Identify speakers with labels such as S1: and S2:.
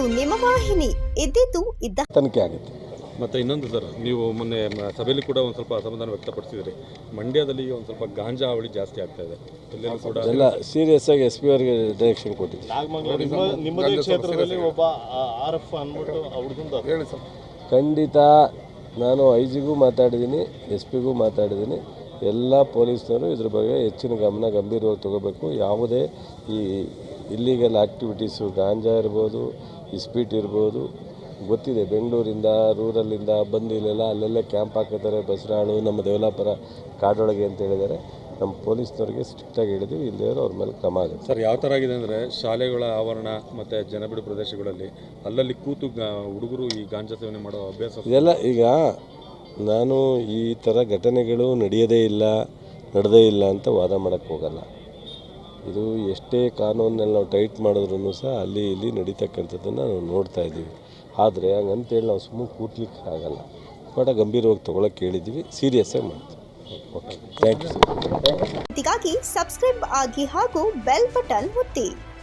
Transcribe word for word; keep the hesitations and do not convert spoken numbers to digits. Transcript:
S1: ನಿಮ್ಮ ವಾಹಿನಿ. ಇದ್ದಿದ್ದು ಇದ್ದ
S2: ತನಿಖೆ ಆಗುತ್ತೆ.
S3: ಮತ್ತು ಇನ್ನೊಂದು ಸರ್, ನೀವು ಮೊನ್ನೆ ಸಭೆಯಲ್ಲಿ ಕೂಡ ಒಂದು ಸ್ವಲ್ಪ ಅಸಮಾಧಾನ ವ್ಯಕ್ತಪಡಿಸಿದ್ರಿ. ಮಂಡ್ಯದಲ್ಲಿ ಒಂದು ಸ್ವಲ್ಪ ಗಾಂಜಾ ಹಾವಳಿ ಜಾಸ್ತಿ ಆಗ್ತಾ ಇದೆ. ಎಲ್ಲರೂ ಕೂಡ
S2: ಎಲ್ಲ ಸೀರಿಯಸ್ ಆಗಿ ಎಸ್ ಪಿ ಅವರಿಗೆ ಡೈರೆಕ್ಷನ್ ಕೊಟ್ಟಿದ್ದೀವಿ.
S4: ನಿಮ್ಮದೇ ಕ್ಷೇತ್ರದಲ್ಲಿ ಒಬ್ಬ ಆರ್ ಎಫ್ ಅಂದ್ಬಿಟ್ಟು ಹುಡುಗಂದು ಹೇಳಿ ಸರ್.
S2: ಖಂಡಿತ ನಾನು ಐ ಜಿಗೂ ಮಾತಾಡಿದ್ದೀನಿ, ಎಸ್ ಪಿಗೂ ಮಾತಾಡಿದ್ದೀನಿ. ಎಲ್ಲ ಪೊಲೀಸ್ನವರು ಇದ್ರ ಬಗ್ಗೆ ಹೆಚ್ಚಿನ ಗಮನ ಗಂಭೀರವಾಗಿ ತಗೋಬೇಕು. ಯಾವುದೇ ಈ ಇಲ್ಲಿಗಲ್ ಆ್ಯಕ್ಟಿವಿಟೀಸು ಗಾಂಜಾ ಇರ್ಬೋದು, ಇಸ್ಪೀಟ್ ಇರ್ಬೋದು, ಗೊತ್ತಿದೆ ಬೆಂಗಳೂರಿಂದ ರೂರಲ್ಲಿಂದ ಬಂದು ಇಲ್ಲೆಲ್ಲ ಅಲ್ಲೆಲ್ಲ ಕ್ಯಾಂಪ್ ಹಾಕಿದ್ದಾರೆ. ಬಸರಾಳು ನಮ್ಮ ದೇವಲಾಪುರ ಕಾಡೊಳಗೆ ಅಂತ ಹೇಳಿದ್ದಾರೆ. ನಮ್ಮ ಪೊಲೀಸ್ನವ್ರಿಗೆ ಸ್ಟ್ರಿಕ್ಟಾಗಿ ಹೇಳಿದ್ದೀವಿ. ಇಲ್ಲದೇ ಅವ್ರ ಮೇಲೆ ಕ್ರಮ ಆಗುತ್ತೆ.
S3: ಸರ್, ಯಾವ ಥರ ಆಗಿದೆ ಅಂದರೆ ಶಾಲೆಗಳ ಆವರಣ ಮತ್ತು ಜನಬಿಡು ಪ್ರದೇಶಗಳಲ್ಲಿ ಅಲ್ಲಲ್ಲಿ ಕೂತು ಹುಡುಗರು ಈ ಗಾಂಜಾ ಸೇವನೆ ಮಾಡೋ ಅಭ್ಯಾಸ
S2: ಇದೆಲ್ಲ ಈಗ ನಾನು ಈ ಥರ ಘಟನೆಗಳು ನಡೆಯೋದೇ ಇಲ್ಲ, ನಡೆದೇ ಇಲ್ಲ ಅಂತ ವಾದ ಮಾಡೋಕ್ಕೆ ಹೋಗಲ್ಲ. ಇದು ಎಷ್ಟೇ ಕಾನೂನಲ್ಲಿ ನಾವು ಟೈಟ್ ಮಾಡಿದ್ರೂ ಸಹ ಅಲ್ಲಿ ಇಲ್ಲಿ ನಡೀತಕ್ಕಂಥದ್ದನ್ನು ನಾವು ನೋಡ್ತಾ ಇದ್ದೀವಿ. ಆದರೆ ಹಂಗಂತೇಳಿ ನಾವು ಸುಮ್ಮನೆ ಕೂತ್ಲಿಕ್ಕೆ ಆಗಲ್ಲ. ಬಟ್ ಗಂಭೀರವಾಗಿ ತೊಗೊಳಕ್ಕೆ ಹೇಳಿದ್ದೀವಿ, ಸೀರಿಯಸ್ ಆಗಿ ಮಾಡ್ತೀವಿ. Okay, thank you.
S1: ಇದಕ್ಕಾಗಿ ಸಬ್ಸ್ಕ್ರೈಬ್ ಆಗಿ ಹಾಗೂ ಬೆಲ್ ಬಟನ್ ಒತ್ತಿ.